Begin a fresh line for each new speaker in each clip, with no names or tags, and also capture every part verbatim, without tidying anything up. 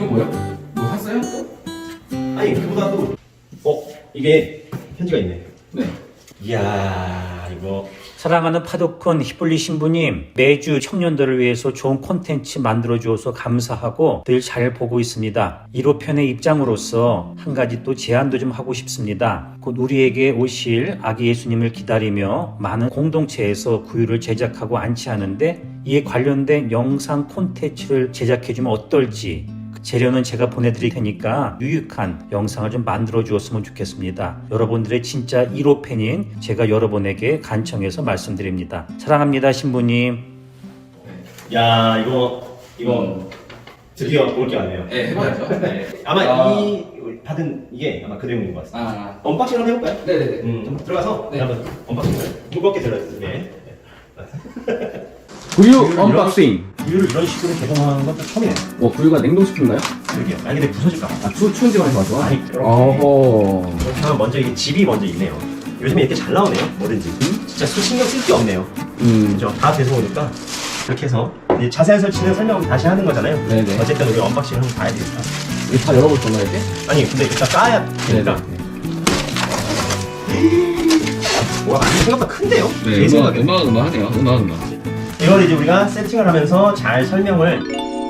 뭐야? 뭐 샀어요?
아니 그보다도 어 이게 편지가 있네.
네.
이야 이거
사랑하는 파도콘 히블리 신부님, 매주 청년들을 위해서 좋은 콘텐츠 만들어주어서 감사하고 늘 잘 보고 있습니다. 일 호 편의 입장으로서 한 가지 또 제안도 좀 하고 싶습니다. 곧 우리에게 오실 아기 예수님을 기다리며 많은 공동체에서 구유를 제작하고 안치하는데 이에 관련된 영상 콘텐츠를 제작해주면 어떨지, 재료는 제가 보내드릴 테니까 유익한 영상을 좀 만들어 주었으면 좋겠습니다. 여러분들의 진짜 일 호 팬인 제가 여러분에게 간청해서 말씀드립니다. 사랑합니다, 신부님.
야 이거 이거 드디어 올 게 왔네요.
네, 해봐야죠. 네.
아마
아.
이 받은 이게 아마 그 내용인 것 같습니다.
아,
언박싱 한번 해볼까요?
네네네.
음 좀 들어가서
네.
한번 언박싱을 무겁게 들어주세요. 네.
구유 언박싱.
구유를 이런 식으로 개봉하는 것도 처음이네.
뭐 구유가 냉동식품인가요?
그러게요. 아니 근데 부서질까 봐.
아, 추, 추운 지방에서 와서?
아니 이렇게
어허.
이렇게 하면 먼저 이게 집이 먼저 있네요. 요즘에 이렇게 잘 나오네요. 뭐든지. 진짜 신경 쓸 게 없네요.
음.
그죠? 다 돼서 오니까 이렇게 해서 이제 자세한 설치는 설명 다시 하는 거잖아요.
네네.
어쨌든 우리 언박싱 한번 봐야 되겠다.
이거 다 열어볼 건가요, 이게?
아니 근데 일단 까야 되니까. 와 많이 생각보다 큰데요? 제 생각에.
음악, 음악 하네요. 음악, 음악.
이걸 이제 우리가 세팅을 하면서 잘 설명을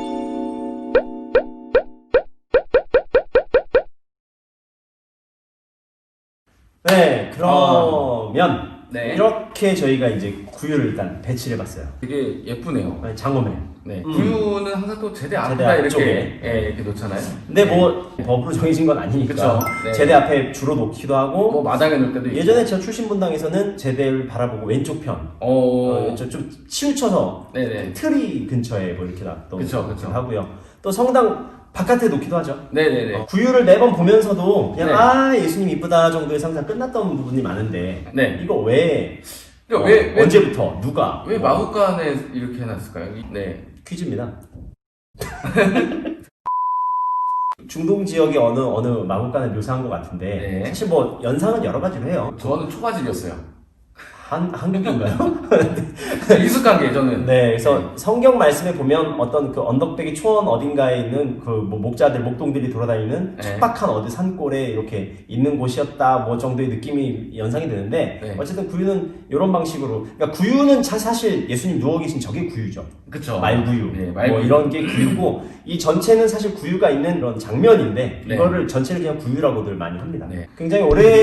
네 그러면
네.
이렇게 저희가 이제 구유를 일단 배치를 해봤어요.
되게 예쁘네요.
장엄해.
네.
음.
구유는 항상 또 제대
제대
앞에다 이렇게,
앞쪽에.
예, 이렇게 놓잖아요.
근데
네.
뭐 법으로 정해진 건 아니니까
그쵸. 네.
제대 앞에 주로 놓기도 하고
뭐 마당에 놓을 때도 있고.
예전에 저 출신분당에서는 제대를 바라보고 왼쪽 편
어,
어, 저 좀 치우쳐서
네네.
트리 근처에 뭐 이렇게 놨던
그쵸,
것도
그쵸.
하고요. 또 성당 바깥에 놓기도 하죠.
네네네.
어, 구유를 매번 보면서도 그냥
네.
아 예수님 이쁘다 정도의 상상 끝났던 부분이 많은데
네.
이거 왜,
이거
어,
왜, 왜,
언제부터 누가
왜
뭐,
마구간에 이렇게 해놨을까요? 네.
퀴즈입니다. 중동 지역의 어느 어느 마국간을 묘사한 것 같은데
네.
사실 뭐 연상은 여러 가지로 해요.
저는 초가집이었어요.
한 한국인가요?
익숙한 게 저는.
네, 그래서 성경 말씀에 보면 어떤 그 언덕배기 초원 어딘가에 있는 그 뭐 목자들, 목동들이 돌아다니는
네.
척박한 어디 산골에 이렇게 있는 곳이었다 뭐 정도의 느낌이 연상이 되는데
네.
어쨌든 구유는 이런 방식으로 그러니까 구유는 사- 사실 예수님 누워 계신 저게 구유죠.
그쵸.
말구유,
네, 말구유.
뭐 이런 게 구유고 이 전체는 사실 구유가 있는 그런 장면인데
네.
이거를 전체를 그냥 구유라고들 많이 합니다.
네.
굉장히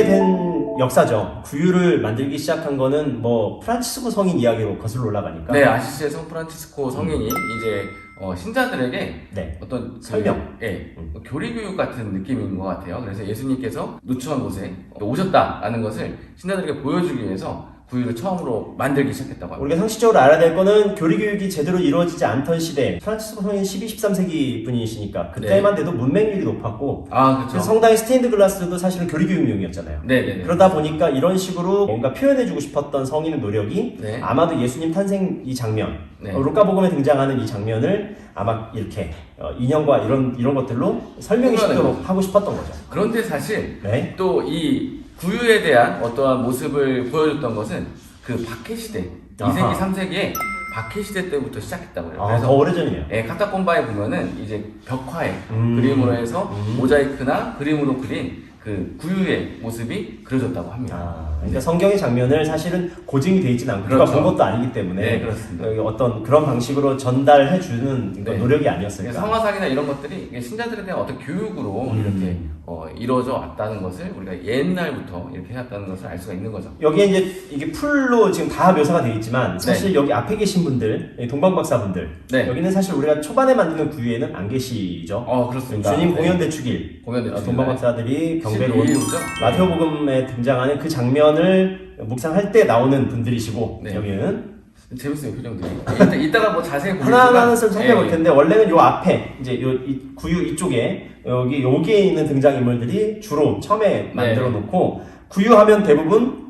오래된 역사죠. 구유를 만들기 시작한 거는 뭐 프란치스코 성인 이야기로 거슬러 올라가니까.
네, 아시시의 성 프란치스코 성인이 이제 어, 신자들에게
네.
어떤 그,
설명.
예,
음.
교리교육 같은 느낌인 것 같아요. 그래서 예수님께서 누추한 곳에 오셨다라는 것을 신자들에게 보여주기 위해서 구유를 처음으로 만들기 시작했다고 합니다.
우리가 상식적으로 알아야 될 거는 교리 교육이 제대로 이루어지지 않던 시대 프란치스코 성인 십이, 십삼 세기 분이시니까 그때만 돼도 문맹률이 높았고
아,
그래서
그렇죠.
성당의 스테인드 글라스도 사실은 교리 교육용이었잖아요.
네네네.
그러다 보니까 이런 식으로 뭔가 표현해주고 싶었던 성인의 노력이
네.
아마도 예수님 탄생 이 장면,
네.
어, 루카복음에 등장하는 이 장면을 아마 이렇게 어, 인형과 이런 이런 것들로 설명이 쉽도록 하고 싶었던 거죠.
그런데 사실
네.
또 이 구유에 대한 어떠한 모습을 보여줬던 것은 그 박해 시대,
아하.
이 세기, 삼 세기에 박해 시대 때부터 시작했다고 해요.
아,
그래서
더 오래전이네요.
예, 카타콤바에 보면은 이제 벽화에
음.
그림으로 해서
음.
모자이크나 그림으로 그린 그 구유의 모습이 그려졌다고 합니다.
아, 그러니까 성경의 장면을 사실은 고증이 돼 있지는 않고
그렇죠.
누가 본 것도 아니기 때문에
네, 그렇습니다.
어, 어떤 그런 방식으로 전달해 주는
네.
노력이 아니었을까.
성화상이나 이런 것들이 이게 신자들에 대한 어떤 교육으로
음.
이렇게 어, 이루어져 왔다는 것을 우리가 옛날부터 이렇게 해왔다는 것을 알 수가 있는 거죠.
여기에 이제 이게 풀로 지금 다 묘사가 되어 있지만 사실 여기 앞에 계신 분들, 동방박사분들
네.
여기는 사실 우리가 초반에 만드는 구유에는 안 계시죠.
어, 그렇습니다.
주님
네.
공연 대축일,
공연
어,
대축일
동방박사들이 경배로 온
십이 일이죠?
마태복음에 등장하는 그 장면을 묵상할 때 나오는 분들이시고
네.
여기는
재밌어요, 표정들이. 이따, 이따가 뭐 자세히 보겠지만
하나하나는 좀 살펴볼
예.
텐데 원래는 요 앞에 이제 요 이 구유 이쪽에 여기 여기에 있는 등장 인물들이 주로 처음에 만들어 놓고 구유하면 대부분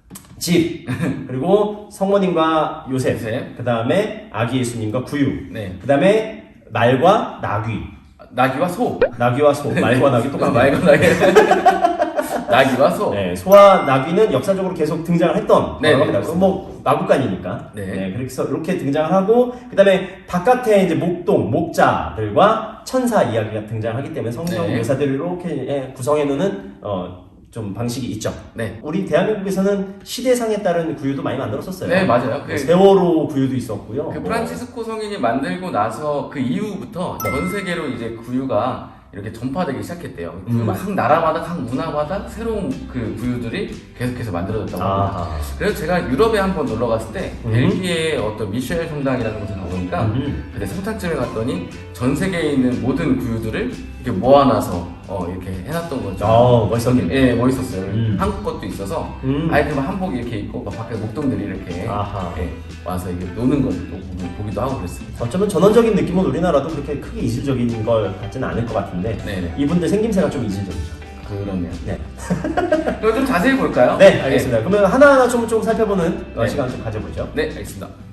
집 그리고 성모님과 요셉,
요셉.
그 다음에 아기 예수님과 구유,
네.
그 다음에 말과 나귀,
나귀와 소.
나귀와 소, 말과 나귀 똑같네요.
말과 나귀. 나귀와 소.
네, 소와 나귀는 역사적으로 계속 등장을 했던
네,
거라고 합니다.
네,
뭐 마구간이니까.
네.
그래서 이렇게 등장을 하고, 그 다음에 바깥에 이제 목동, 목자들과 천사 이야기가 등장하기 때문에 성경
네.
묘사들을 이렇게 구성해 놓는, 어, 좀 방식이 있죠.
네.
우리 대한민국에서는 시대상에 따른 구유도 많이 만들었었어요.
네, 맞아요.
뭐
그,
세월호 구유도 있었고요.
그
뭐.
프란치스코 성인이 만들고 나서 그 이후부터
네.
전 세계로 이제 구유가 이렇게 전파되기 시작했대요.
음.
각 나라마다, 각 문화마다 새로운 그 구유들이 계속해서 만들어졌다고 합니다.
아.
그래서 제가 유럽에 한번 놀러 갔을 때
음.
벨기에 어떤 미셸 성당이라는 곳에 가보니까
음.
그때 성탄쯤에 갔더니 전 세계에 있는 모든 구유들을 이렇게 모아놔서 어, 이렇게 해놨던 거죠.
어, 멋있었겠네.
예, 멋있었어요.
음.
한국 것도 있어서
음.
아예 그냥 한복 이렇게 입고 막 밖에 목동들이 이렇게
아하.
예, 와서 이게 노는 것을 또 보기- 보기도 하고 그랬습니다.
어쩌면 전원적인 느낌은 우리나라도 그렇게 크게 이질적인 걸 같지는 않을 것 같은데
네네.
이분들 생김새가 좀 이질적이죠.
그러네요.
네,
그럼 좀 자세히 볼까요?
네 알겠습니다. 그러면 하나하나 좀, 좀 살펴보는 어,
네.
시간 좀 가져보죠.
네, 알겠습니다.